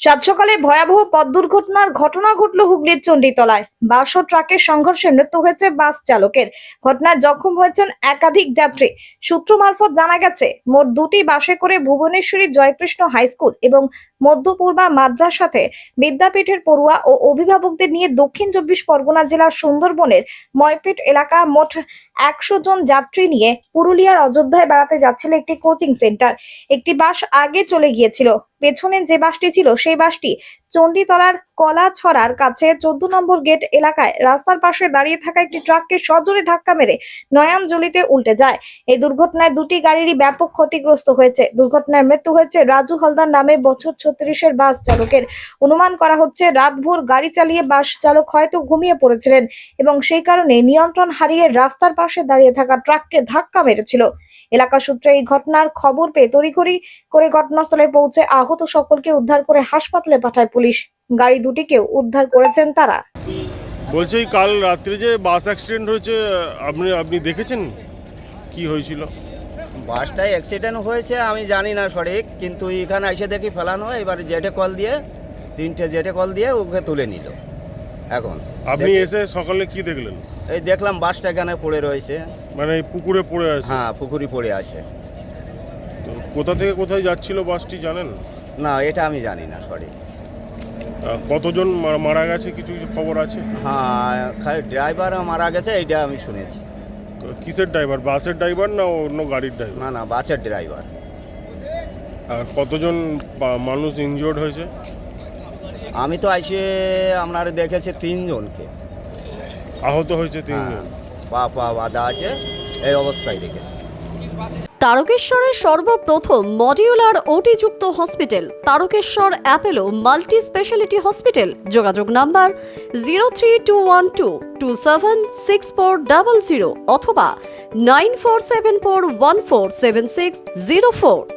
সাত সকালে ভয়াবহ পথ দুর্ঘটনার ঘটনা ঘটল হুগলির চণ্ডীতলায়। বাস ও ট্রাকের সংঘর্ষে মৃত্যু হয়েছে বাস চালকের। ঘটনায় জখম হয়েছেন একাধিক যাত্রী। সূত্র মারফত জানা গেছে, মোট দুটি বাসে করে ভুবনেশ্বরী জয়কৃষ্ণ হাই স্কুল এবং মধ্যপূর্বা মাদ্রাসাতে বিদ্যাপীঠের পড়ুয়া ও অভিভাবকদের নিয়ে দক্ষিণ 24 পরগনা জেলার সুন্দরবনের ময়পেট এলাকা মোট 100 জন যাত্রী নিয়ে পুরুলিয়ার অযোধ্যায় বেড়াতে যাচ্ছিল একটি কোচিং সেন্টার। একটি বাস আগে চলে গিয়েছিল। পেছনে যে বাসটি ছিল সেই বাসটি চণ্ডীতলার কলাছড়ার কাছে 14 নম্বর গেট এলাকায় রাস্তার পাশে দাঁড়িয়ে থাকা একটি ট্রাককে সজোরে ধাক্কা মেরে নয়ামজলিতে উল্টে যায়। এই দুর্ঘটনায় দুটি গাড়িরই ব্যাপক ক্ষতিগ্রস্ত হয়েছে। দুর্ঘটনায় মৃত্যু হয়েছে রাজু হালদার নামে বছর 36-এর বাস চালকের। অনুমান করা হচ্ছে রাতভর গাড়ি চালিয়ে বাস চালক হয়তো ঘুমিয়ে পড়েছিলেন এবং সেই কারণে নিয়ন্ত্রণ হারিয়ে রাস্তার পাশে দাঁড়িয়ে থাকা ট্রাককে ধাক্কা মেরেছিল। এলাকা সূত্রে এই ঘটনার খবর পেয়ে তড়িঘড়ি করে ঘটনাস্থলে পৌঁছে আহত সকলকে উদ্ধার করে হাসপাতালে পাঠায় পুলিশ। গাড়ি দুটিকেও উদ্ধার করেছেন তারা। বলছি কাল রাত্রে যে বাস অ্যাক্সিডেন্ট হয়েছে আপনি দেখেছেন কি হয়েছিল? বাসটায় অ্যাক্সিডেন্ট হয়েছে আমি জানি না সঠিক, কিন্তু এখানে এসে দেখি ফেলানো। এবার জেটে কল দিয়ে 3টে জেটে কল দিয়ে ওকে তুলে নিল। এখন আপনি এসে সকালে কি দেখলেন? এই দেখলাম বাসটা এখানে পড়ে রয়েছে। মানে পুকুরে পড়ে আছে? হ্যাঁ, পুকুরি পড়ে আছে। তো কোথা থেকে কোথায় যাচ্ছিল বাসটি জানেন? না, এটা আমি জানি না সঠিক। কতজন মারা গেছে কিছু খবর আছে? হ্যাঁ, খালি ড্রাইভার মারা গেছে এইটা আমি শুনেছি। কিসের ড্রাইভার? বাসের ড্রাইভার না অন্য গাড়ির ড্রাইভার? না, বাসের ড্রাইভার। আর কতজন মানুষ ইনজিওর্ড হয়েছে? আমি তো এসে আপনার দেখেছি 3 জনকে আহত হয়েছে 3 জন। পা বাঁধা আছে, এই অবস্থায় দেখেছি। তারকেশ্বরের সর্বপ্রথম মডিউলার ওটি-যুক্ত hospital Tarakeswar Apollo multi speciality hospital. যোগাযোগ নাম্বার 03212276400 অথবা 9474147604।